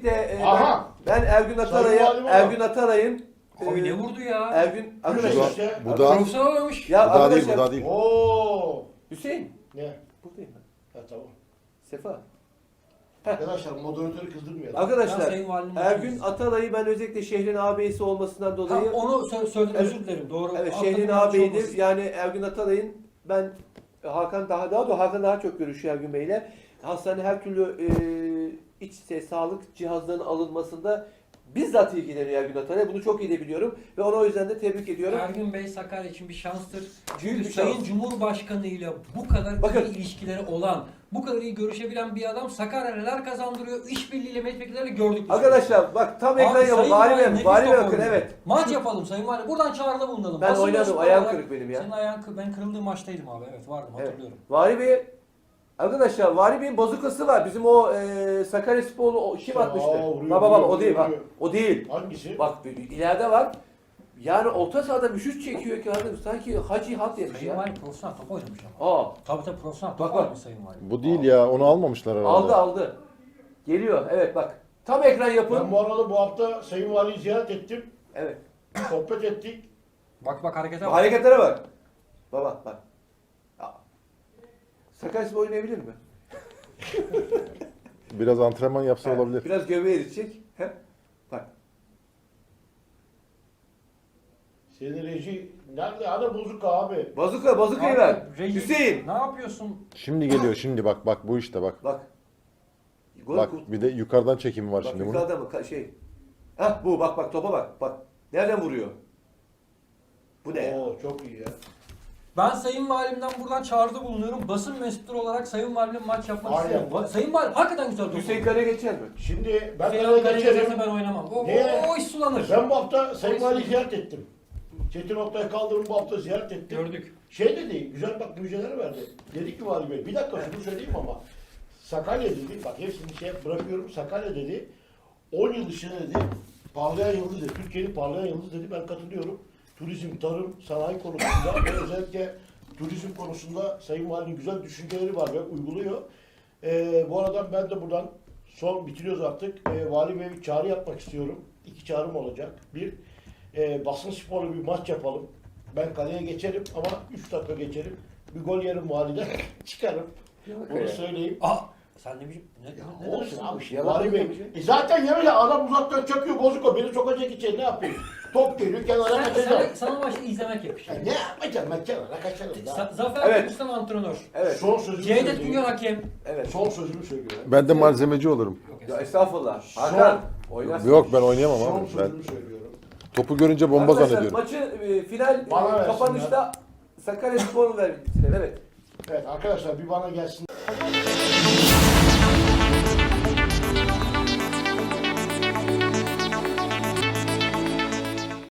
öncelikle Aha! ben Ergün Atalay'ın Abi ne vurdu ya? Ergün arkadaşlar. İşte. Bu da Profesyonel oynamış. Ya bu daha değil, arkadaşlar. bu daha değil. Oo. Hüseyin. Ne? Buradayım ben. Ha tamam. Sefa. Arkadaşlar moderatörü kızdırmayalım. Ben Arkadaşlar Sayın Valinin Ergün maçındayız. Atalay'ı ben özellikle şehrin ağabeyisi olmasından dolayı Onu söyledim, Evet. özür dilerim. Doğru. evet Aklımda şehrin yanlış ağabeyidir. olmasın. Yani Ergün Atalay'ın ben Hakan daha çok görüşüyor Ergün Bey'le. Hastane her türlü sağlık cihazlarının alınmasında bizzat ilgileniyor Ergün Atalay. Bunu çok iyi de biliyorum ve onu o yüzden de tebrik ediyorum. Ergün Bey Sakarya için bir şanstır. Büyük Çünkü bir Sayın şans. Cumhurbaşkanı ile bu kadar Bakın. iyi ilişkileri olan, bu kadar iyi görüşebilen bir adam Sakarya neler kazandırıyor, işbirliğiyle milletvekilleriyle gördük. biz. Arkadaşlar bak tam ekran yapın. Sayın Vali Valim, Bey, nefis Vali top Bey bakın oynuyor. evet. Maç yapalım Sayın Valim. Buradan çağrıda bulunalım. Ben Basın oynadım. mensubu Ayağım olarak- kırık benim ya. Senin ayağın kırık. Ben kırıldığım maçtaydım abi. Evet vardım Evet. hatırlıyorum. Vali Bey arkadaşlar Vali Bey'in bozukası var. Bizim o Sakaryasporlu kim atmıştı? vuruyor, Baba vuruyor, o değil bak. vuruyor. O değil. Hangisi? Bak ileride var. Yani orta sahada bir şut çekiyor ki adam sanki Hacı Hat yemiş Sayın ya. Valim profesyonel top oynamış ama. Aa, Tabii profesyonel Bak, top bak. oynamış Sayın Valim. Bu değil ya, onu almamışlar herhalde. aldı. Geliyor. Evet bak. Tam ekran yapın. Ben bu arada bu hafta Sayın Vali'yi ziyaret ettim. Evet. Sohbet ettik. Bak harekete bak. Hareketlere bak. Baba bak. Ya. Sakaryaspor oynayabilir mi? Biraz antrenman yapsa Evet, olabilir. Biraz göbeği eritecek. He? Bak. Senin reji nerede? Ana bozuk abi. Bazukayı Abi, ver. reji- Hüseyin. Ne yapıyorsun? Şimdi geliyor, şimdi bak bu işte bak. Bak. Gol Bak bir de yukarıdan çekimi var Bak şimdi bunun. yukarıda mı? Hah bu bak topa bak. Bak. Nereden vuruyor? Bu ne ya? Oo çok iyi ya. Ben Sayın Valim'den buradan çağrıda bulunuyorum. Basın mensupları olarak Sayın Valim'le maç yapmak Aynen. istiyorum. Sayın Valim hakikaten güzel top. Hüseyin Kale geçer mi? Şimdi ben Hüseyin sana Kale geçerim. geçerse ben oynamam. Niye? O iş sulanır. Ben bu hafta Sayın Vali'yi ziyaret ettim. Çetin Oktay Kaldırım'ı bu hafta ziyaret ettim. Gördük. Şey dedi, güzel bak müjdeler verdi. Dedi ki Vali Bey, bir dakika şunu söyleyeyim ama Sakarya dedi, bak hepsini bırakıyorum, Sakarya dedi, 10 yıl içinde dedi, parlayan yıldız dedi, Türkiye'nin parlayan yıldız dedi, ben katılıyorum. Turizm, tarım, sanayi konusunda ve özellikle turizm konusunda Sayın Vali'nin güzel düşünceleri var ve uyguluyor. Bu arada ben de buradan bitiriyoruz artık. Vali Bey'e bir çağrı yapmak istiyorum. 2 çağrım olacak. Bir, basın sporlu bir maç yapalım. Ben kaleye geçerim ama 3 dakika geçerim. Bir gol yerim valide çıkarım. Onu söyleyeyim. Sen ne biçim? Ne Olsun dersin? abi şimdi Yalan Vali Bey. yapacak bir Zaten yemele adam uzaktan çakıyor bozuk o. Beni sokacak içeri ne yapayım? Top geliyor kenara kaçacağım. Sana maçta izlemek yakışıyor. Ya ne yapacağım ben kenara kaçarım da. Zafer Evet. Kılıç'tan antrenör. Evet. Son sözümü Cevdet söyleyeyim. Güngör hakem. Evet. Son sözümü söylüyorum. Ben de malzemeci olurum. Ya estağfurullah. Hakan. Oynarsın. Yok ben oynayamam Son abi. Ben sözümü söylüyorum. topu görünce bomba Arkadaşlar, zannediyorum. maçı final Bana versinler. kapanışta Sakaryaspor'u ver. Evet. Evet arkadaşlar bir bana gelsin.